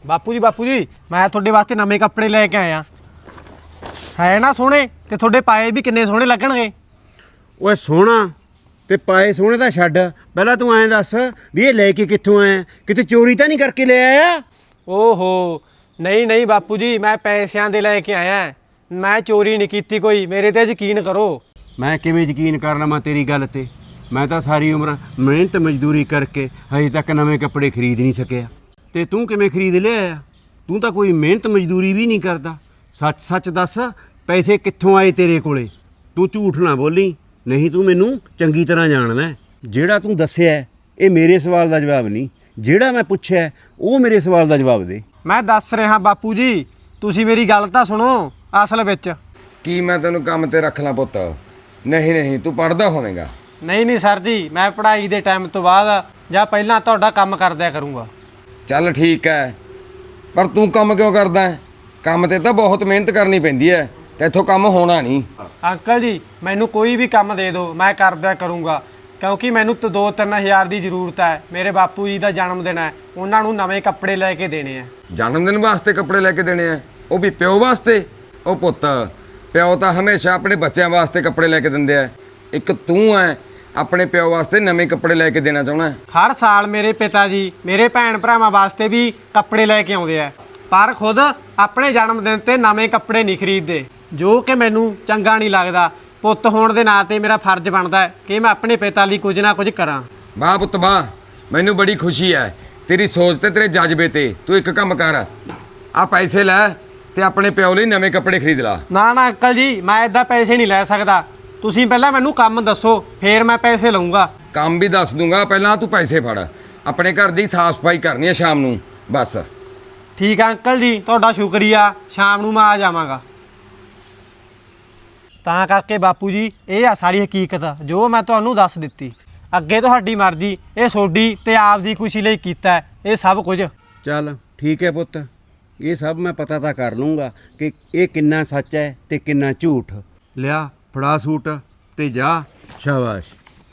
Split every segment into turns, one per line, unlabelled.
ਬਾਪੂ ਜੀ ਮੈਂ ਤੁਹਾਡੇ ਵਾਸਤੇ ਨਵੇਂ ਕੱਪੜੇ ਲੈ ਕੇ ਆਇਆ। ਹੈ ਨਾ ਸੋਹਣੇ, ਤੇ ਤੁਹਾਡੇ ਪਾਏ ਵੀ ਕਿੰਨੇ ਸੋਹਣੇ ਲੱਗਣਗੇ।
ਓਏ ਸੋਹਣਾ ਤੇ ਪਾਏ ਸੋਹਣੇ ਤਾਂ ਛੱਡ, ਪਹਿਲਾਂ ਤੂੰ ਐਂ ਦੱਸ ਵੀ ਇਹ ਲੈ ਕੇ ਕਿੱਥੋਂ ਆਇਆ? ਕਿਤੇ ਚੋਰੀ ਤਾਂ ਨਹੀਂ ਕਰਕੇ ਲੈ ਆਇਆ?
ਓਹੋ ਨਹੀਂ ਬਾਪੂ ਜੀ, ਮੈਂ ਪੈਸਿਆਂ ਦੇ ਲੈ ਕੇ ਆਇਆ। ਮੈਂ ਚੋਰੀ ਨਹੀਂ ਕੀਤੀ ਕੋਈ, ਮੇਰੇ ਤੇ ਯਕੀਨ ਕਰੋ।
ਮੈਂ ਕਿਵੇਂ ਯਕੀਨ ਕਰ ਲਵਾਂ ਤੇਰੀ ਗੱਲ ਤੇ? ਮੈਂ ਤਾਂ ਸਾਰੀ ਉਮਰ ਮਿਹਨਤ ਮਜ਼ਦੂਰੀ ਕਰਕੇ ਹਜੇ ਤੱਕ ਨਵੇਂ ਕੱਪੜੇ ਖਰੀਦ ਨਹੀਂ ਸਕਿਆ, ਤੇ ਤੂੰ ਕਿਵੇਂ ਖਰੀਦ ਲਿਆ? ਤੂੰ ਤਾਂ ਕੋਈ ਮਿਹਨਤ ਮਜ਼ਦੂਰੀ ਵੀ ਨਹੀਂ ਕਰਦਾ। ਸੱਚ ਦੱਸ, ਪੈਸੇ ਕਿੱਥੋਂ ਆਏ ਤੇਰੇ ਕੋਲੇ? ਤੂੰ ਝੂਠ ਨਾ ਬੋਲੀ, ਨਹੀਂ ਤੂੰ ਮੈਨੂੰ ਚੰਗੀ ਤਰ੍ਹਾਂ ਜਾਣਦਾ। ਜਿਹੜਾ ਤੂੰ ਦੱਸਿਆ ਇਹ ਮੇਰੇ ਸਵਾਲ ਦਾ ਜਵਾਬ ਨਹੀਂ, ਜਿਹੜਾ ਮੈਂ ਪੁੱਛਿਆ ਉਹ ਮੇਰੇ ਸਵਾਲ ਦਾ ਜਵਾਬ ਦੇ।
ਮੈਂ ਦੱਸ ਰਿਹਾ ਬਾਪੂ ਜੀ, ਤੁਸੀਂ ਮੇਰੀ ਗੱਲ ਤਾਂ ਸੁਣੋ। ਅਸਲ ਵਿੱਚ
ਕੀ ਮੈਂ ਤੈਨੂੰ ਕੰਮ ਤੇ ਰੱਖ ਲਾਂ ਪੁੱਤ? ਨਹੀਂ ਤੂੰ ਪੜ੍ਹਦਾ ਹੋਵੇਂਗਾ।
ਨਹੀਂ ਸਰ ਜੀ, ਮੈਂ ਪੜ੍ਹਾਈ ਦੇ ਟਾਈਮ ਤੋਂ ਬਾਅਦ ਜਾਂ ਪਹਿਲਾਂ ਤੁਹਾਡਾ ਕੰਮ ਕਰਦਿਆ ਕਰੂੰਗਾ।
ਚੱਲ ਠੀਕ ਹੈ, ਪਰ ਤੂੰ ਕੰਮ ਕਿਉਂ ਕਰਦਾ ਹੈ? ਕੰਮ ਤੇ ਤਾਂ ਬਹੁਤ ਮਿਹਨਤ ਕਰਨੀ ਪੈਂਦੀ ਹੈ, ਤੇ ਇੱਥੋਂ ਕੰਮ ਹੋਣਾ ਨਹੀਂ।
ਅੰਕਲ ਜੀ ਮੈਨੂੰ ਕੋਈ ਵੀ ਕੰਮ ਦੇ ਦਿਓ, ਮੈਂ ਕਰਦਿਆ ਕਰੂੰਗਾ, ਕਿਉਂਕਿ ਮੈਨੂੰ 2-3 ਹਜ਼ਾਰ ਦੀ ਜ਼ਰੂਰਤ ਹੈ। ਮੇਰੇ ਬਾਪੂ ਜੀ ਦਾ ਜਨਮ ਦਿਨ ਹੈ, ਉਹਨਾਂ ਨੂੰ ਨਵੇਂ ਕੱਪੜੇ ਲੈ ਕੇ ਦੇਣੇ ਆ।
ਜਨਮ ਦਿਨ ਵਾਸਤੇ ਕੱਪੜੇ ਲੈ ਕੇ ਦੇਣੇ ਆ? ਉਹ ਵੀ ਪਿਓ ਵਾਸਤੇ? ਉਹ ਪੁੱਤ, ਪਿਓ ਤਾਂ ਹਮੇਸ਼ਾ ਆਪਣੇ ਬੱਚਿਆਂ ਵਾਸਤੇ ਕੱਪੜੇ ਲੈ ਕੇ ਦਿੰਦੇ ਆ। ਇੱਕ ਤੂੰ ਐ ਆਪਣੇ ਪਿਓ ਵਾਸਤੇ ਨਵੇਂ ਕੱਪੜੇ ਲੈ ਕੇ ਦੇਣਾ ਚਾਹੁੰਦਾ?
ਹਰ ਸਾਲ ਮੇਰੇ ਪਿਤਾ ਜੀ ਮੇਰੇ ਭੈਣ ਭਰਾਵਾਂ ਵਾਸਤੇ ਵੀ ਕੱਪੜੇ ਲੈ ਕੇ ਆਉਂਦੇ ਆ, ਪਰ ਖੁਦ ਆਪਣੇ ਜਨਮ ਦਿਨ ਤੇ ਨਵੇਂ ਕੱਪੜੇ ਨਹੀਂ ਖਰੀਦਦੇ, ਜੋ ਕਿ ਮੈਨੂੰ ਚੰਗਾ ਨਹੀਂ ਲੱਗਦਾ। ਪੁੱਤ ਹੋਣ ਦੇ ਨਾਂ ਤੇ ਮੇਰਾ ਫਰਜ਼ ਬਣਦਾ ਹੈ ਕਿ ਮੈਂ ਆਪਣੇ ਪਿਤਾ ਲਈ ਕੁਝ ਨਾ ਕੁਝ ਕਰਾਂ।
ਵਾਹ ਪੁੱਤ ਵਾਹ, ਮੈਨੂੰ ਬੜੀ ਖੁਸ਼ੀ ਹੈ ਤੇਰੀ ਸੋਚ ਤੇ ਤੇਰੇ ਜਜ਼ਬੇ ਤੇ। ਤੂੰ ਇੱਕ ਕੰਮ ਕਰ, ਆ ਪੈਸੇ ਲੈ ਤੇ ਆਪਣੇ ਪਿਓ ਲਈ ਨਵੇਂ ਕੱਪੜੇ ਖਰੀਦ ਲਾ।
ਨਾ ਅੰਕਲ ਜੀ, ਮੈਂ ਇੱਦਾਂ ਪੈਸੇ ਨਹੀਂ ਲੈ ਸਕਦਾ। ਤੁਸੀਂ ਪਹਿਲਾਂ ਮੈਨੂੰ ਕੰਮ ਦੱਸੋ, ਫੇਰ ਮੈਂ ਪੈਸੇ ਲਊਂਗਾ।
ਕੰਮ ਵੀ ਦੱਸ ਦੂੰਗਾ, ਪਹਿਲਾਂ ਤੂੰ ਪੈਸੇ ਫੜ। ਆਪਣੇ ਘਰ ਦੀ ਸਾਫ਼ ਸਫਾਈ ਕਰਨੀ ਹੈ ਸ਼ਾਮ ਨੂੰ, ਬਸ।
ਠੀਕ ਆ ਅੰਕਲ ਜੀ, ਤੁਹਾਡਾ ਸ਼ੁਕਰੀਆ। ਸ਼ਾਮ ਨੂੰ ਮੈਂ ਆ ਜਾਵਾਂਗਾ। ਤਾਂ ਕਰਕੇ ਬਾਪੂ ਜੀ, ਇਹ ਆ ਸਾਰੀ ਹਕੀਕਤ ਜੋ ਮੈਂ ਤੁਹਾਨੂੰ ਦੱਸ ਦਿੱਤੀ। ਅੱਗੇ ਤੁਹਾਡੀ ਮਰਜ਼ੀ, ਇਹ ਤੁਹਾਡੀ ਤੇ ਆਪਦੀ ਖੁਸ਼ੀ ਲਈ ਕੀਤਾ ਇਹ ਸਭ ਕੁਝ।
ਚੱਲ ਠੀਕ ਹੈ ਪੁੱਤ, ਇਹ ਸਭ ਮੈਂ ਪਤਾ ਤਾਂ ਕਰ ਲੂੰਗਾ ਕਿ ਇਹ ਕਿੰਨਾ ਸੱਚ ਹੈ ਤੇ ਕਿੰਨਾ ਝੂਠ। ਲਿਆ ਫੜਾ ਸੂਟ ਤੇ ਜਾ। ਸ਼ਾਬਾਸ਼।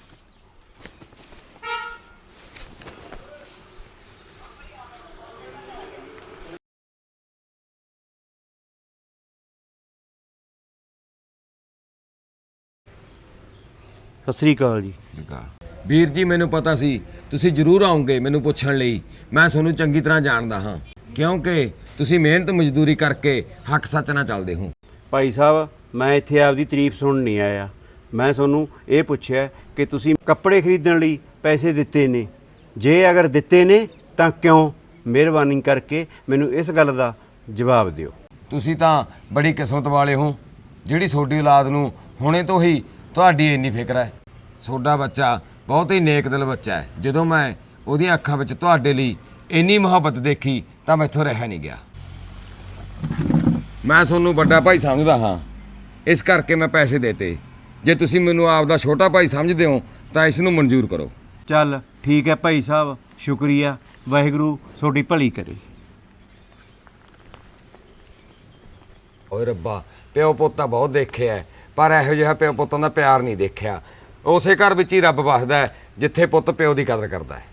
ਸਤਿ ਸ੍ਰੀ ਅਕਾਲ ਜੀ।
ਵੀਰ ਜੀ, ਮੈਨੂੰ ਪਤਾ ਸੀ ਤੁਸੀਂ ਜ਼ਰੂਰ ਆਉਂਗੇ ਮੈਨੂੰ ਪੁੱਛਣ ਲਈ। ਮੈਂ ਤੁਹਾਨੂੰ ਚੰਗੀ ਤਰ੍ਹਾਂ ਜਾਣਦਾ ਹਾਂ, ਕਿਉਂਕਿ ਤੁਸੀਂ ਮਿਹਨਤ ਮਜ਼ਦੂਰੀ ਕਰਕੇ ਹੱਕ ਸੱਚ ਨਾਲ ਚੱਲਦੇ ਹੋ।
ਭਾਈ ਸਾਹਿਬ, ਮੈਂ ਇੱਥੇ ਆਪਦੀ ਤਾਰੀਫ ਸੁਣਨ ਨਹੀਂ ਆਇਆ। ਮੈਂ ਤੁਹਾਨੂੰ ਇਹ ਪੁੱਛਿਆ ਕਿ ਤੁਸੀਂ ਕੱਪੜੇ ਖਰੀਦਣ ਲਈ ਪੈਸੇ ਦਿੱਤੇ ਨੇ, ਜੇ ਅਗਰ ਦਿੱਤੇ ਨੇ ਤਾਂ ਕਿਉਂ? ਮਿਹਰਬਾਨੀ ਕਰਕੇ ਮੈਨੂੰ ਇਸ ਗੱਲ ਦਾ ਜਵਾਬ ਦਿਓ।
ਤੁਸੀਂ ਤਾਂ ਬੜੀ ਕਿਸਮਤ ਵਾਲੇ ਹੋ, ਜਿਹੜੀ ਤੁਹਾਡੀ ਔਲਾਦ ਨੂੰ ਹੁਣੇ ਤੋਂ ਹੀ ਤੁਹਾਡੀ ਇੰਨੀ ਫਿਕਰ ਹੈ। ਤੁਹਾਡਾ ਬੱਚਾ ਬਹੁਤ ਹੀ ਨੇਕ ਦਿਲ ਬੱਚਾ ਹੈ। ਜਦੋਂ ਮੈਂ ਉਹਦੀਆਂ ਅੱਖਾਂ ਵਿੱਚ ਤੁਹਾਡੇ ਲਈ ਇੰਨੀ ਮੁਹੱਬਤ ਦੇਖੀ ਤਾਂ ਮੈਥੋਂ ਰਹਿ ਨਹੀਂ ਗਿਆ। ਮੈਂ ਤੁਹਾਨੂੰ ਵੱਡਾ ਭਾਈ ਸਮਝਦਾ ਹਾਂ, ਇਸ ਕਰਕੇ ਮੈਂ ਪੈਸੇ ਦੇਤੇ। ਜੇ ਤੁਸੀਂ ਮੈਨੂੰ ਆਪਦਾ ਛੋਟਾ ਭਾਈ ਸਮਝਦੇ ਹੋ ਤਾਂ ਇਸ ਨੂੰ ਮਨਜ਼ੂਰ ਕਰੋ।
ਚੱਲ ਠੀਕ ਹੈ ਭਾਈ ਸਾਹਿਬ, ਸ਼ੁਕਰੀਆ। ਵਾਹਿਗੁਰੂ ਤੁਹਾਡੀ ਭਲੀ ਕਰੇ।
ਓਏ ਰੱਬਾ, ਪਿਓ ਪੁੱਤ ਤਾਂ ਬਹੁਤ ਦੇਖਿਆ, ਪਰ ਇਹੋ ਜਿਹਾ ਪਿਓ ਪੁੱਤਾਂ ਦਾ ਪਿਆਰ ਨਹੀਂ ਦੇਖਿਆ। ਉਸੇ ਘਰ ਵਿੱਚ ਹੀ ਰੱਬ ਵਸਦਾ ਹੈ ਜਿੱਥੇ ਪੁੱਤ ਪਿਓ ਦੀ ਕਦਰ ਕਰਦਾ ਹੈ।